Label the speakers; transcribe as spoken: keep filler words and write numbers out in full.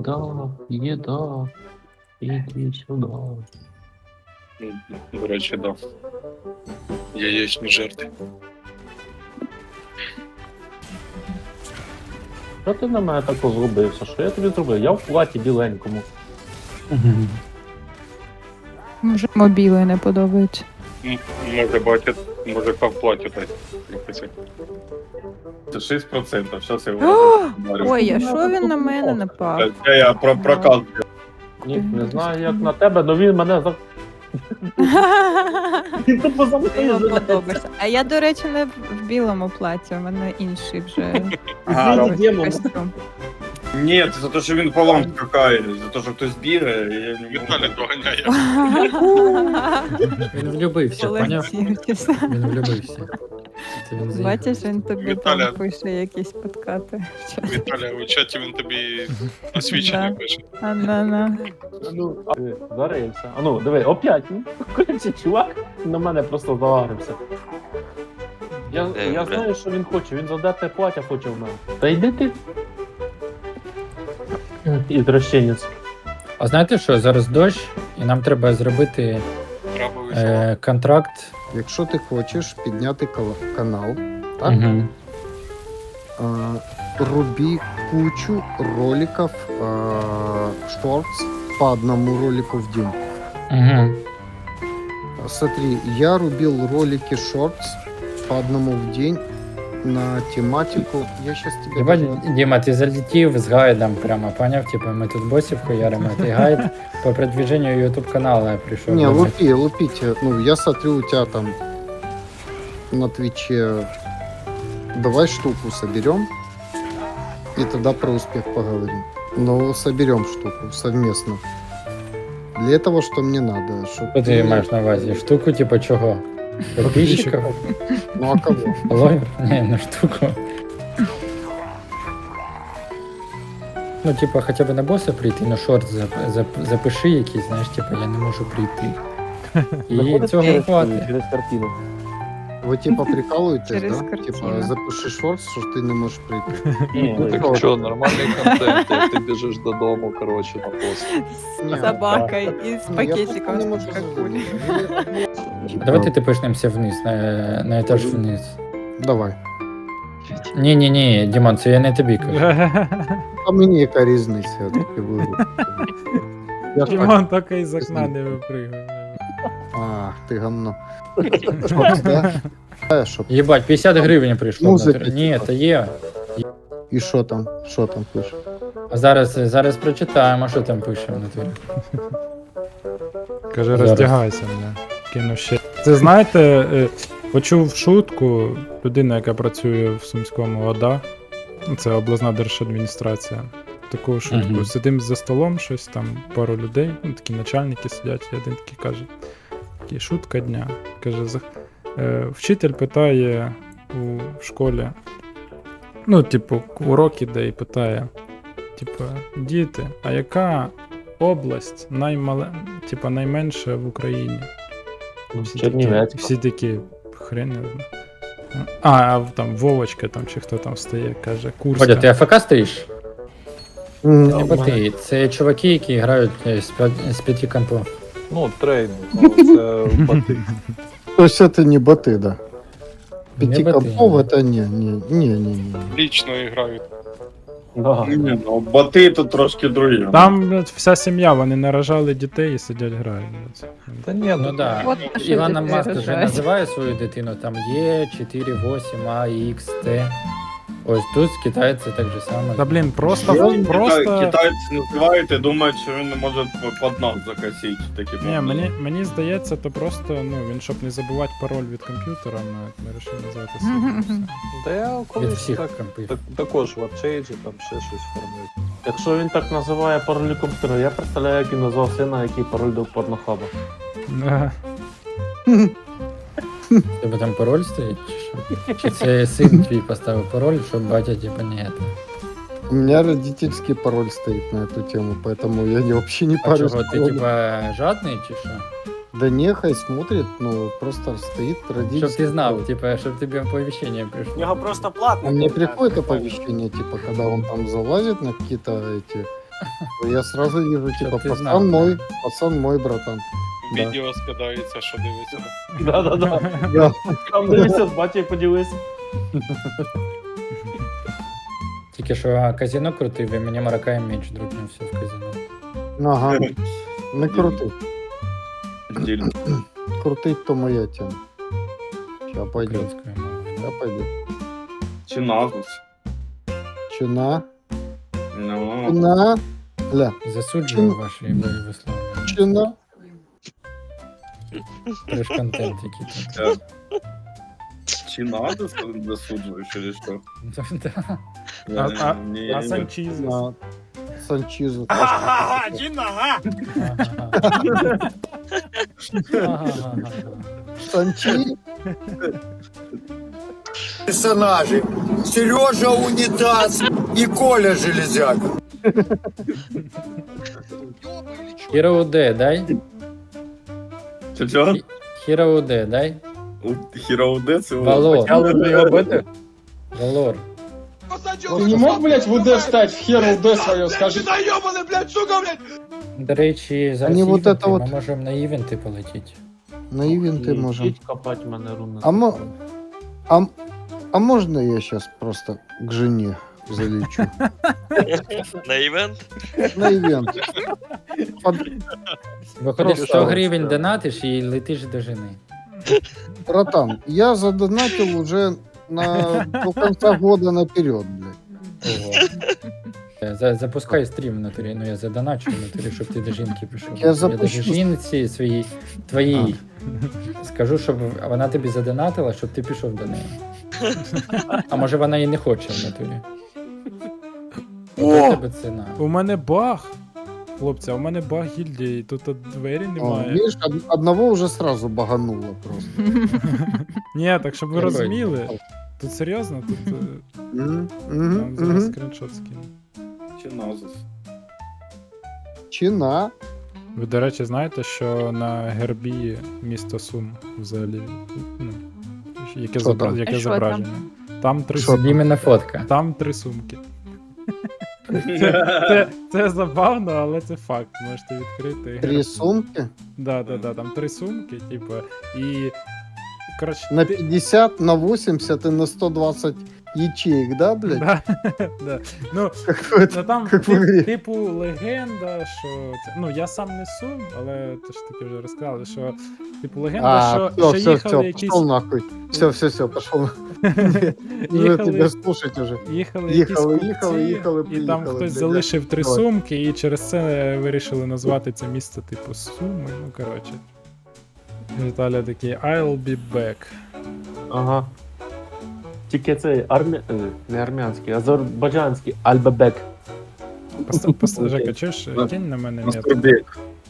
Speaker 1: Еда, еда, иди сюда.
Speaker 2: До речі, да. Яєчні жерти.
Speaker 1: Що ти на мене так розробився? Що я тобі зробив? Я в платі біленькому.
Speaker 3: Може, мобіли не подобаються.
Speaker 2: М, Може бачить, може в платі так.
Speaker 4: Це шість відсотків, зараз я
Speaker 3: О!
Speaker 4: його розберу.
Speaker 3: Ой, а що він на мене напав?
Speaker 4: Це я про прокат.
Speaker 1: Ні, не знаю, як на тебе, але він мене за... Він тупо за
Speaker 3: Ти йому
Speaker 1: мною
Speaker 3: подобаєшся. А я, до речі, не в білому платі, у мене інший вже
Speaker 4: Ага,
Speaker 1: Змінить демон.
Speaker 3: костюм.
Speaker 4: Ні, це за те, що він по вам скакає, за те, що хтось бігає, і я не можу.
Speaker 2: Віталій доганяє.
Speaker 5: Він влюбився, поняв?
Speaker 3: Полетів, чесно.
Speaker 5: Він влюбився. Це він
Speaker 3: Бачиш, він тобі
Speaker 2: Віталя.
Speaker 3: там пише якісь подкати. Що?
Speaker 2: Віталя, у чаті він тобі освічення
Speaker 3: Да.
Speaker 2: пише.
Speaker 3: А на на.
Speaker 1: Ну, а, диви, зарився. А ну, диви, опять. Ну, коротше, чувак на мене просто залагрився. Я,
Speaker 2: Е,
Speaker 1: я
Speaker 2: бля.
Speaker 1: знаю, що він хоче, він задете платя хоче в мене. Та йди ти. Ізвращенець.
Speaker 5: А знаєте що, зараз дощ, і нам треба зробити
Speaker 2: Правовий
Speaker 5: е, контракт.
Speaker 6: Якщо ти хочеш підняти кала- канал, так?
Speaker 5: Угу.
Speaker 6: а, руби кучу роликов шортс по одному ролику в день.
Speaker 5: Угу.
Speaker 6: Смотри, я рубил ролики шортс по одному в день на тематику. Я сейчас тебе
Speaker 5: Єбать,
Speaker 6: даже-
Speaker 5: Діма, ти залетів з гайдом прямо, поняв? Типу, ми тут босів хуяримо, а ти гайд по продвиженню YouTube каналу прийшов.
Speaker 6: Не,
Speaker 5: робити.
Speaker 6: лупи, лупите. Ну, я смотрю, у тебя там на Твиче. Давай штуку соберем. И тогда про успех поговорим. Но соберем штуку совместно. Для этого что мне надо? Чтоб
Speaker 5: Що ти маєш на увазі? Штуку, типу, чого? Подписчиків?
Speaker 6: Ну а кого?
Speaker 5: Блогер? Ні, на штуку. Ну, типа, хоча б на боса прийти, на шорт зап- зап- запиши якийсь, знаєш, типа, я не можу прийти. І
Speaker 1: Виходить
Speaker 5: цього
Speaker 1: через,
Speaker 5: хватить.
Speaker 1: через картину.
Speaker 6: Вы типа прикалываетесь,
Speaker 3: Через
Speaker 6: да?
Speaker 3: картину.
Speaker 6: Типа запиши шорт, что ты не можешь прийти.
Speaker 1: Ні,
Speaker 6: Ну,
Speaker 7: Так що, нормальний контент, як ти біжиш додому, коротше, на пост.
Speaker 6: Не,
Speaker 3: З собакою і з
Speaker 6: ну, я
Speaker 3: пакетиком
Speaker 6: просто не
Speaker 3: з
Speaker 6: можу
Speaker 3: Кока-Колі.
Speaker 6: зрозуміти.
Speaker 5: Давайте ти пишнемося вниз, на, на етаж вниз.
Speaker 6: Давай.
Speaker 5: Ні, ні, ні, Дімон, це я не тобі кажу.
Speaker 6: А мені яка різниця, я таки виграв. Я ж так-
Speaker 8: Дімон тільки із окна не випригав.
Speaker 6: А, ти гамно. Шорт, да? Е, щоб-
Speaker 5: Єбать, п'ятдесят гривень прийшло.
Speaker 6: Музика,
Speaker 5: на... Ні,
Speaker 6: типа.
Speaker 5: то є.
Speaker 6: І що там? Що там пише?
Speaker 5: А зараз, зараз прочитаємо, що там пише в натурі.
Speaker 8: Каже,
Speaker 5: Зараз.
Speaker 8: роздягайся мене. Кину ще. Це знаєте, е, почув шутку людина, яка працює в Сумському ОДА. Ну, це обласна держадміністрація. Таку шутку.
Speaker 5: Мгм.
Speaker 8: Сидимо за столом, щось там, пару людей, ну такі начальники сидять, і один такий каже. Такий шутка дня. Каже, за- е, вчитель питає у школі. Ну, типу, уроки, де і питає. Типу, діти, а яка область наймале... типу, найменша в Україні? Всі такі,
Speaker 1: Чернівецька.
Speaker 8: всі такі, хрен не знаю. А, а там Вовочка там чи хто там стає, каже, Курська.
Speaker 5: Водя, ти АФК стоїш?
Speaker 6: М,
Speaker 5: Не боти. Це чуваки, які грають е, з п'я- з п'яти компо.
Speaker 7: Ну, трейнинг, ну, це боти.
Speaker 6: То есть это не боты, да?
Speaker 5: Не
Speaker 6: Пяти
Speaker 5: боты,
Speaker 6: компов
Speaker 5: да.
Speaker 6: это не, не, не, не, не.
Speaker 2: Лічно грають.
Speaker 1: Да.
Speaker 4: Ні, ну боти тут трошки другі.
Speaker 8: Там блядь, вся сім'я, вони наражали дітей і сидять грають. блядь.
Speaker 7: Та ні,
Speaker 5: Ну
Speaker 7: ну
Speaker 5: да.
Speaker 3: От що
Speaker 5: Ілона
Speaker 3: дітей
Speaker 5: Маск вже
Speaker 3: рожають.
Speaker 5: називає свою дитину там Е, чотири вісім, А, Х, Т. Ось тут китайці так же само.
Speaker 8: Та блін, просто,
Speaker 4: Китай-
Speaker 8: просто...
Speaker 4: Китайці називають і думають, що він не може під нас закосити. Такі
Speaker 8: Ні, мені, мені здається, то просто, ну, він щоб не забувати пароль від комп'ютера, ми, ми вирішили назвати себе.
Speaker 7: та я
Speaker 5: Від
Speaker 7: колись
Speaker 5: всіх
Speaker 7: так,
Speaker 5: компів.
Speaker 7: так, також в апчейджі там ще щось формують.
Speaker 1: Якщо він так називає пароль комп'ютера, я представляю, як він назвав сина, який пароль до порнохаба.
Speaker 8: Ага.
Speaker 5: Тебе там пароль стоїть, чи що? Чи це син твій поставив пароль, щоб батя типа не это.
Speaker 6: У меня родительский пароль стоит на эту тему, поэтому я не, вообще не
Speaker 5: А
Speaker 6: парюсь.
Speaker 5: чого, ти типа жадний чи що?
Speaker 6: Да нехай смотрит, ну просто стоит родительский
Speaker 5: Щоб ти знав,
Speaker 6: пароль.
Speaker 5: типа, щоб тобі оповіщення прийшло.
Speaker 9: У нього просто платний.
Speaker 6: А мне
Speaker 9: контракт.
Speaker 6: приходит оповещение, типа, когда он там залазит на какие-то эти Я сразу вижу,
Speaker 5: Чтоб
Speaker 6: типа,
Speaker 5: ты
Speaker 6: пацан
Speaker 5: знал,
Speaker 6: мой, пацан мой, братан. Да.
Speaker 2: Відео скидається, що дивиться.
Speaker 1: Да-да-да.
Speaker 6: Да.
Speaker 1: Там дивися, бачи, поділися.
Speaker 5: Тільки що казино крутив, і мені Маракай меч друкнувся в казино.
Speaker 6: Ага. Не крути.
Speaker 4: Стильно.
Speaker 6: Крутить то моя тема. Сейчас пойдет.
Speaker 5: Українською мовою.
Speaker 6: Я пойду.
Speaker 4: Чи назус?
Speaker 6: Чина.
Speaker 4: Ну,
Speaker 6: Чина. Ля.
Speaker 5: Засуджую
Speaker 6: Чим-
Speaker 5: ваші висловлення.
Speaker 6: Чина.
Speaker 5: Треш контент який тут.
Speaker 4: е, чи назус засуджуєш, чи що?
Speaker 5: Да.
Speaker 4: Я
Speaker 8: А-
Speaker 4: не- не-
Speaker 8: А
Speaker 4: не-
Speaker 8: Санчіз.
Speaker 6: На Санчизу.
Speaker 5: Ага.
Speaker 6: Санчи.
Speaker 9: Персонажи. Сережа Унитаз и Коля Железяк.
Speaker 5: Hero УД, дай.
Speaker 4: Чи що?
Speaker 5: Hero УД, дай.
Speaker 4: Хіроуде це
Speaker 5: Валор.
Speaker 1: Почали вже його бити?
Speaker 5: Валор.
Speaker 10: Ты не мог, блядь, в УД встать, в хер УД свое, скажи.
Speaker 5: До речі, зараз
Speaker 6: Они вот
Speaker 5: івенти,
Speaker 6: это вот-
Speaker 5: ми можемо на івенти полетіти.
Speaker 6: На ивенты можем.
Speaker 1: Ідіть копати мене руни.
Speaker 6: А мо- А, м- а можно я сейчас просто к жене залечу?
Speaker 2: На івент?
Speaker 6: На ивент. Под-
Speaker 5: Виходиш,
Speaker 6: Просто
Speaker 5: сто
Speaker 6: ось,
Speaker 5: гривень
Speaker 6: да.
Speaker 5: донатиш і летиш до жени.
Speaker 6: Братан, я задонатил уже на до конца года наперед, блядь.
Speaker 5: Ого. Е, за- Запускай стрім в натурі, ну я задоначу в натурі, щоб ти до жінки пішов.
Speaker 6: Я запущу.
Speaker 5: даже жінці своїй, твоїй, скажу, щоб вона тобі задонатила, щоб ти пішов до неї. А може вона і не хоче в натурі. О! Тебе ціна.
Speaker 8: У мене баг. Хлопці, а у мене баг гільдії, тут от двері
Speaker 6: О,
Speaker 8: немає.
Speaker 6: видишь, од- одного уже сразу багануло просто.
Speaker 8: Ні, так щоб ви
Speaker 5: Який?
Speaker 8: розуміли. Тут серйозно, тут е,
Speaker 6: Мгм,
Speaker 8: я
Speaker 6: мгм,
Speaker 8: вам зараз
Speaker 6: мгм.
Speaker 8: скріншот скину.
Speaker 4: Чи назус?
Speaker 6: Чина.
Speaker 8: Ви, до речі, знаєте, що на гербі місто Сум взагалі, ну, яке,
Speaker 6: Що
Speaker 8: зобра...
Speaker 6: там?
Speaker 8: яке
Speaker 3: А що
Speaker 8: зображення? Там три
Speaker 6: Що
Speaker 8: сумки.
Speaker 5: Іменно фотка.
Speaker 8: Там три сумки. Це, це, це забавно, але це факт. Можете відкрити.
Speaker 6: Три сумки.
Speaker 8: Да, да, да, там три сумки, типу, і. Коротше,
Speaker 6: На
Speaker 8: ти-
Speaker 6: пятьдесят, на восемьдесят и на сто двадцать ячеек, да, блядь?
Speaker 8: Да, да. Ну,
Speaker 6: Какой-то.
Speaker 8: ну там
Speaker 6: Як в
Speaker 8: тип-
Speaker 6: ігрі.
Speaker 8: типу легенда, що це. Ну, я сам не сум, але то ж таки вже розказали, що типу легенда,
Speaker 6: А,
Speaker 8: що,
Speaker 6: все,
Speaker 8: що
Speaker 6: все,
Speaker 8: їхали
Speaker 6: все,
Speaker 8: якісь.
Speaker 6: пошел нахуй. Все, все, все, пошел. Уже
Speaker 8: Їхали-
Speaker 6: тебя слушать уже.
Speaker 8: Їхали,
Speaker 6: Їхали,
Speaker 8: якісь
Speaker 6: їхали,
Speaker 8: купці,
Speaker 6: їхали,
Speaker 8: і там
Speaker 6: приїхали,
Speaker 8: хтось
Speaker 6: блядь,
Speaker 8: залишив три
Speaker 6: давай.
Speaker 8: сумки, і через це вирішили назвати це місце типу Суми. Ну коротше. Віталя такий I'll be back.
Speaker 1: Ага. Тільки цей армя... е, не армянський, азербайджанський Альбебек.
Speaker 8: Поста- поста-
Speaker 1: Окей.
Speaker 8: Жека, чуєш,
Speaker 4: Да.
Speaker 8: кинь на мене мет.
Speaker 4: Мастурбек.